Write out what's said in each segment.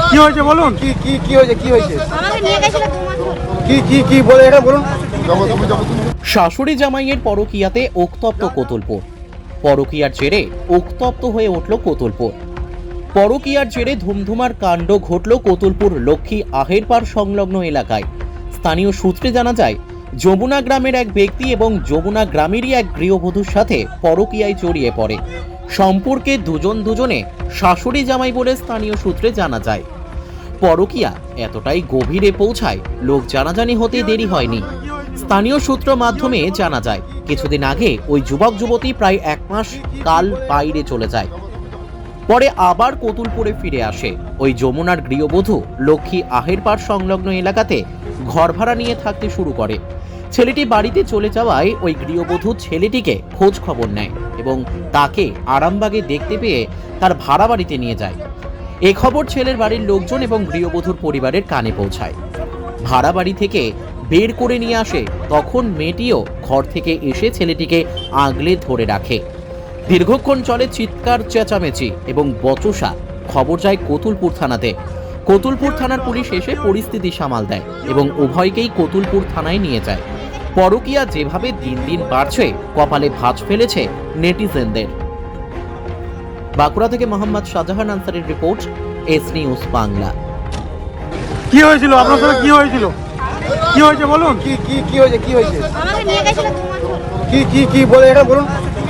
কি হয়েছে বলুন? কি হয়েছে কি হয়েছে আমাকে নিয়ে গেছিল 2 মাস ধরে। কি বলে এটা বলুন। শাশুড়ি জামাইয়ের পরকীয়াতে উত্তপ্ত কোতুলপুর। পরকীয়ার জেরে উত্তপ্ত হয়ে উঠল কোতুলপুর। পরকীয়ার জেরে ধুমধুমার কাণ্ড ঘটল কোতুলপুর লক্ষ্মী আহেরপাড় সংলগ্ন এলাকায়। স্থানীয় সূত্রে জানা যায়, যমুনা গ্রামের এক ব্যক্তি এবং যমুনা গ্রামেরই এক গৃহবধূর সাথে পরকীয়ায় জড়িয়ে পড়ে। সম্পর্কে দুজনে শাশুড়ি জামাই বলে স্থানীয় সূত্রে জানা যায়। পরকীয়া এতটাই গভীরে পৌঁছায়, লোক জানাজানি হতে দেরি হয়নি। স্থানীয় সূত্র মাধ্যমে জানা যায়, কিছুদিন আগে ওই যুবক যুবতী প্রায় 1 মাস কাল বাইরে চলে যায়, পরে আবার কোতুলপুরে ফিরে আসে। ওই যমুনার গৃহবধূ লক্ষ্মী আহেরপাড় সংলগ্ন এলাকাতে ঘর ভাড়া নিয়ে থাকতে শুরু করে। ছেলেটি বাড়িতে চলে যাওয়ায় ওই গৃহবধূ ছেলেটিকে খোঁজ খবর নেয় এবং তাকে আরামবাগে দেখতে পেয়ে তার ভাড়া বাড়িতে নিয়ে যায়। এ খবর ছেলের বাড়ির লোকজন এবং গৃহবধূর পরিবারের কানে পৌঁছায়। ভাড়া বাড়ি থেকে বের করে নিয়ে আসে, তখন মেয়েটিও ঘর থেকে এসে ছেলেটিকে আগলে ধরে রাখে। দীর্ঘক্ষণ চলে চিৎকার চেঁচামেচি এবং বচসা। খবর যায় কোতুলপুর থানাতে। কোতুলপুর থানার পুলিশ এসে পরিস্থিতি সামাল দেয় এবং উভয়কেই কোতুলপুর থানায় নিয়ে যায়। পরকীয়া যেভাবে দিন দিন বাড়ছে, কপালে ভাঁজ ফেলেছে নেটিজেনদের। বাঁকুড়া থেকে মোহাম্মদ শাহজাহান আনসারের রিপোর্ট, এস নিউজ বাংলা। কি হয়েছিল আপনার সাথে? কি হয়েছিল? কি হয়েছে বলুন? কি হয়েছে আমাকে নিয়ে গেছিল 2 মাস ধরে। কি বলে এটা বলুন।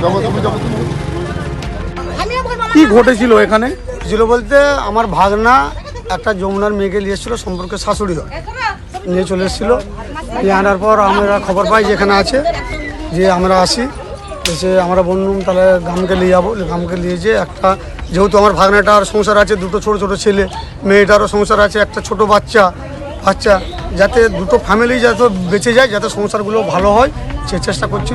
কি ঘটেছিল এখানে? ছিল বলতে আমার ভাগনা একটা যমুনার মেয়েকে নিয়ে এসেছিলো, সম্পর্কে শাশুড়ি হয়, নিয়ে চলে এসেছিলো। নিয়ে আনার পর আমরা খবর পাই যে এখানে আছে, যে আমরা আসি, এসে আমরা বললাম তাহলে গ্রামকে নিয়ে যাবো। গ্রামকে নিয়ে যেয়ে একটা, যেহেতু আমার ভাগনাটার সংসার আছে, দুটো ছোট ছেলে, মেয়েটারও সংসার আছে, একটা ছোট বাচ্চা, যাতে দুটো ফ্যামিলি যাতে বেঁচে যায়, যাতে সংসারগুলো ভালো হয়, সে চেষ্টা করছিল।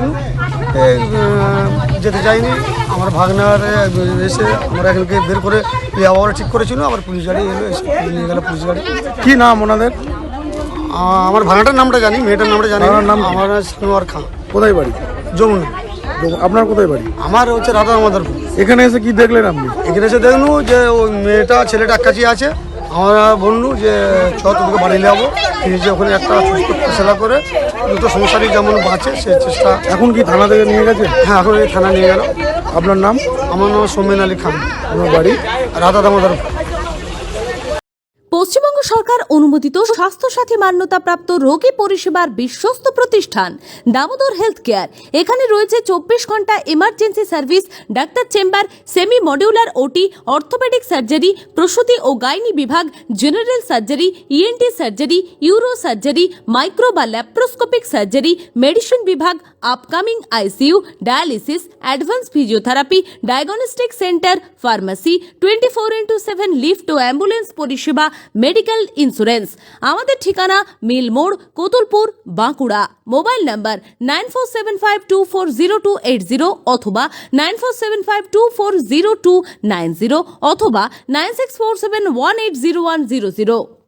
যেতে চাইনি। আমার ভাগনার এসে আমরা এখানকে বের করে যাওয়ার ঠিক করেছিল। আবার পুলিশ গাড়ি এলো, এসে নিয়ে গেল পুলিশ গাড়ি। কি নাম ওনাদের? আমার ভাগনাটার নামটা জানি, মেয়েটার নামটা জানি। ভাগনার নাম কি? আমার সানোয়ার খান। কোথায় বাড়ি? যমুনা। আপনার কোথায় বাড়ি? আমার হচ্ছে রাধা আমাদেরপুর। এখানে এসে কি দেখলেন আপনি? এখানে এসে দেখলু যে ওই মেয়েটা ছেলেটা এক কাছে আছে। আমরা বললু যে ছ তোকে বাড়ি নিয়ে যাবো, যে ওখানে একটা সুস্থ ফেসলা করে দুটো সংসারই যেমন বাঁচে সে চেষ্টা। এখন কি থানা থেকে নিয়ে গেছে? হ্যাঁ, এখন এই থানা নিয়ে গেল। আপনার নাম? আমার নাম সৌমেন আলী খান। আপনার বাড়ি? রাধা আমাদেরপুর। পশ্চিমবঙ্গ সরকার অনুমোদিত স্বাস্থ্যসাথী মান্যতাপ্রাপ্ত রোগী পরিষেবার বিশ্বস্ত প্রতিষ্ঠান দামোদর হেলথ কেয়ার। এখানে রয়েছে 24 ঘন্টা emergency service, doctor chamber, semi modular OT, orthopedic surgery, প্রসূতি ও গাইনি বিভাগ, general surgery, ENT surgery, uro surgery, micro বা ল্যাপ্রোস্কোপিক সার্জারি, মেডিসিন বিভাগ, upcoming ICU, dialysis, advance physiotherapy, diagnostic centre, pharmacy, 24x7 lift ও ambulance পরিষেবা, medical insurance. আমাদের ঠিকানা মিল মোড়, কোতুলপুর, বাঁকুড়া। মোবাইল নাম্বার 9475240280 অথবা 9475240290 অথবা 9647180100।